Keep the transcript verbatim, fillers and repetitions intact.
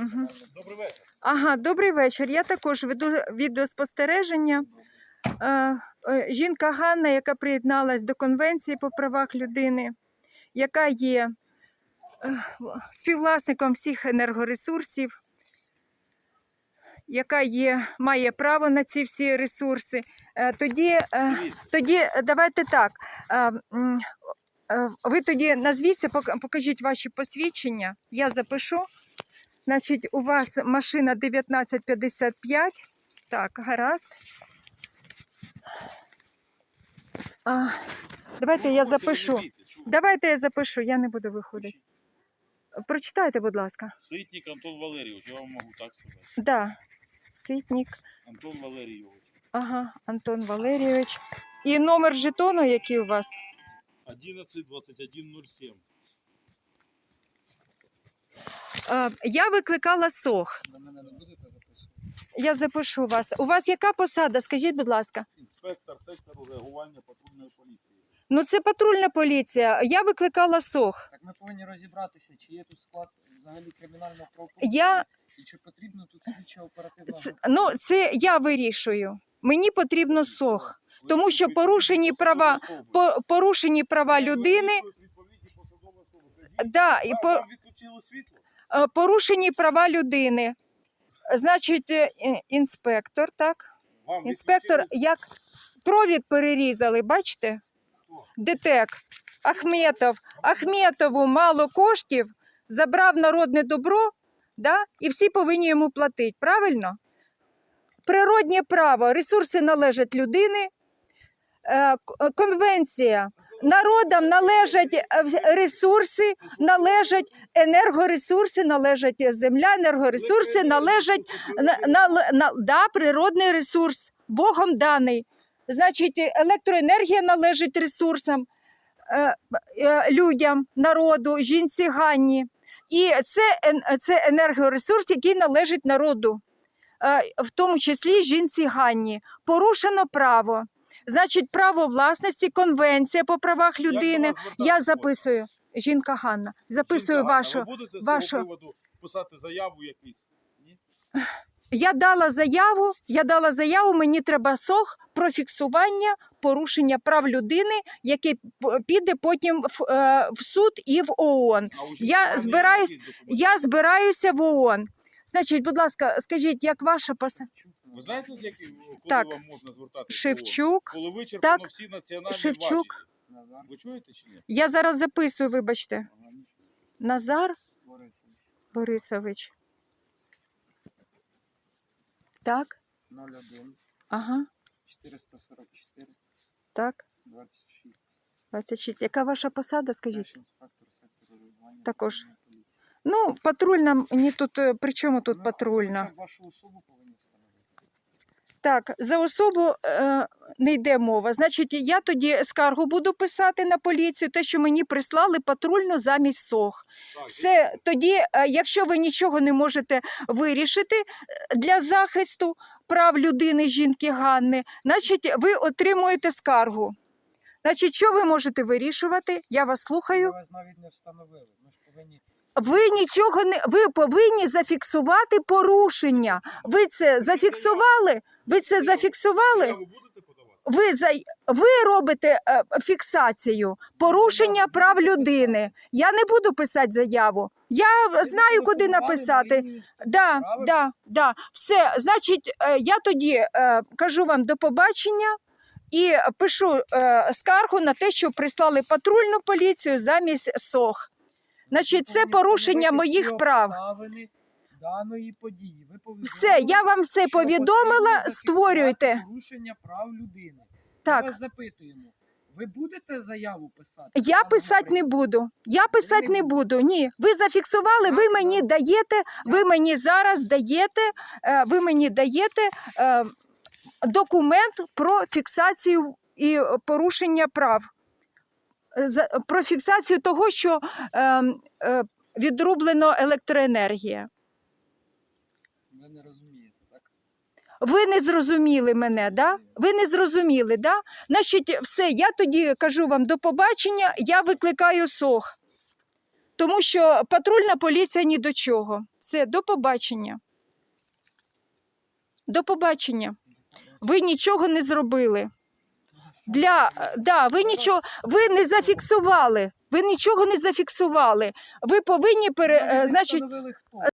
Угу. Добрий вечір. Ага, добрий вечір. Я також веду відеоспостереження. Е, е, Жінка Ганна, яка приєдналась до Конвенції по правах людини, яка є е, співвласником всіх енергоресурсів, яка є, має право на ці всі ресурси. Е, Тоді, е, тоді давайте так. Е, м, е, Ви тоді назвіться, пок- покажіть ваші посвідчення. Я запишу. Значить, у вас машина дев'ятнадцять п'ятдесят п'ять. Так, гаразд. А, давайте я запишу. Давайте я запишу, я не буду виходити. Прочитайте, будь ласка. Ситник Антон Валерійович, я вам можу так сказати. Да. Ситник. Антон Валерійович. Ага, Антон Валерійович. І номер жетону, який у вас? одинадцять двадцять один нуль сім. А, я викликала СОХ. На мене не будете записувати? Я запишу вас. У вас яка посада? Скажіть, будь ласка. Інспектор сектору реагування патрульної поліції. Ну, це патрульна поліція. Я викликала СОХ. Так ми повинні розібратися, чи є тут склад взагалі кримінального Я... правопорушення, і чи потрібно тут слідча оперативна Це, група. ну, це я вирішую. Мені потрібно СОХ. Тому що порушені права, по- порушені права людини, да, і по, Вам відключили світло? е, порушені права людини. Значить, е, інспектор, так? Вам Інспектор, відключили? як провід перерізали, бачите? ДТЕК, Ахметов. Ахметову мало коштів, забрав народне добро, да? І всі повинні йому платити, правильно? Природнє право, ресурси належать людини, е, к- конвенція. Народам належать е, ресурси, належать енергоресурси, належать земля, енергоресурси, належать на, на, на, да, природний ресурс, Богом даний. Значить, електроенергія належить ресурсам, е, е, людям, народу, жінці Ганні. І це, ен- це енергоресурс, який належить народу, е, в тому числі жінці Ганні. Порушено право. Значить, право власності, конвенція по правах людини. Як до вас Я звертатися записую. Жінка Ганна. Записую Жінка Ганна, вашу. Ви будете з вашу- цього приводу писати заяву якусь? Ні? Я дала заяву, я дала заяву, мені треба СОХ про фіксування порушення прав людини, яке п- піде потім в, е, в суд і в ООН. А у Я жінки збираюсь- є якісь документи? Я збираюся в ООН. Значить, будь ласка, скажіть, як ваша посада? Ви знаєте, з яким, коли Так. вам можна звертатися? Шевчук. Коли вичерпано Так. всі національні Шевчук. важелі. Назар Ви чуєте чи ні? Я зараз записую, вибачте. Ага, нічого. Назар Борисович. Борисович. Так, нуль один ага, чотириста сорок чотири так, двадцять шість. двадцять шість. Яка ваша посада, скажіть? Наш інспектор сектору реагування Також. патрульної поліції. Ну, патрульна, мені тут, е, при чому тут Ну, патрульна? хоча б вашу особу повинні встановити. Так, за особу е, не йде мова. Значить, я тоді скаргу буду писати на поліцію, те, що мені прислали патрульну замість СОХ. Так, Все, тоді, е, якщо ви нічого не можете вирішити е, для захисту прав людини, жінки Ганни, значить, ви отримуєте скаргу. Значить, що ви можете вирішувати? Я вас Ми слухаю. вас навіть не встановили. Ми ж повинні... Ви нічого не ви повинні зафіксувати порушення. Ви це зафіксували? Ви це зафіксували? заяву будете подавати? Ви за ви робите е, фіксацію порушення прав людини. Я не буду писати заяву. Я Ви знаю, куди зателефонували на написати. лінію сто, Да, правильно? да, да. Все, значить, е, я тоді е, кажу вам до побачення і пишу е, скаргу на те, що прислали патрульну поліцію замість СОХ. Значить, це повинні порушення встановити моїх всі прав. обставини даної події. Ви повідомили, Все, я вам все що повідомила, потрібно створюйте. зафіксувати порушення прав людини. Так. Ми вас запитуємо, ви будете заяву писати? Я Пане писати не Україна? буду. Я писати не не буду. Ні. Ви зафіксували, ви Так, мені так. даєте, ви мені зараз даєте, е, ви мені даєте е, документ про фіксацію і порушення прав. За- Про фіксацію того, що е, е, відрублено електроенергія. Ви не розумієте, так? Ви не зрозуміли мене, да? Ви не зрозуміли, да? Значить, все, я тоді кажу вам до побачення, я викликаю СОХ. тому що патрульна поліція ні до чого. Все, до побачення. До побачення. Ви нічого не зробили. Для, да, ви нічого, ви не зафіксували. Ви нічого не зафіксували. Ви повинні пере, е, значить, Встановили хто?